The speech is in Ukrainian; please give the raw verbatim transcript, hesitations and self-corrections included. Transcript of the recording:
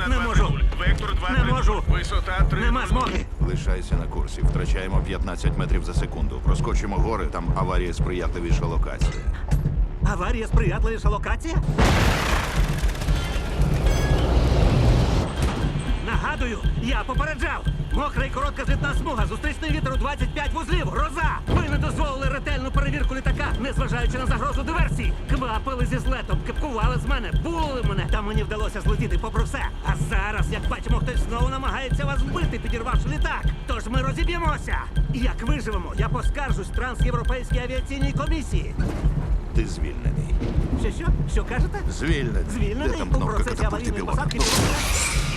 Не два можу. нуль. Вектор два Не можу. Висота три. Нема змоги. Лишайся на курсі. Втрачаємо п'ятнадцять метрів за секунду. Проскочимо гори, там аварія сприятливіша локація. Аварія сприятливіша локація? Нагадую, я попереджав. Мокра і коротка злітна смуга, зустрічний вітер у двадцять п'ять вузлів, гроза! Ви не дозволили ретельну перевірку літака, незважаючи на загрозу диверсії. Квапили зі злетом, кепкували з мене, булили мене. Та мені вдалося злетіти попри все. А зараз, як бачимо, хтось знову намагається вас вбити, підірвавши літак. Тож ми розіб'ємося. Як виживемо, я поскаржусь Трансєвропейській авіаційній комісії. Ти звільнений. Що, що? Що кажете? Звільнений. Звільнений Де там у кнопка процесі катапульти аварійної пілота? посадки.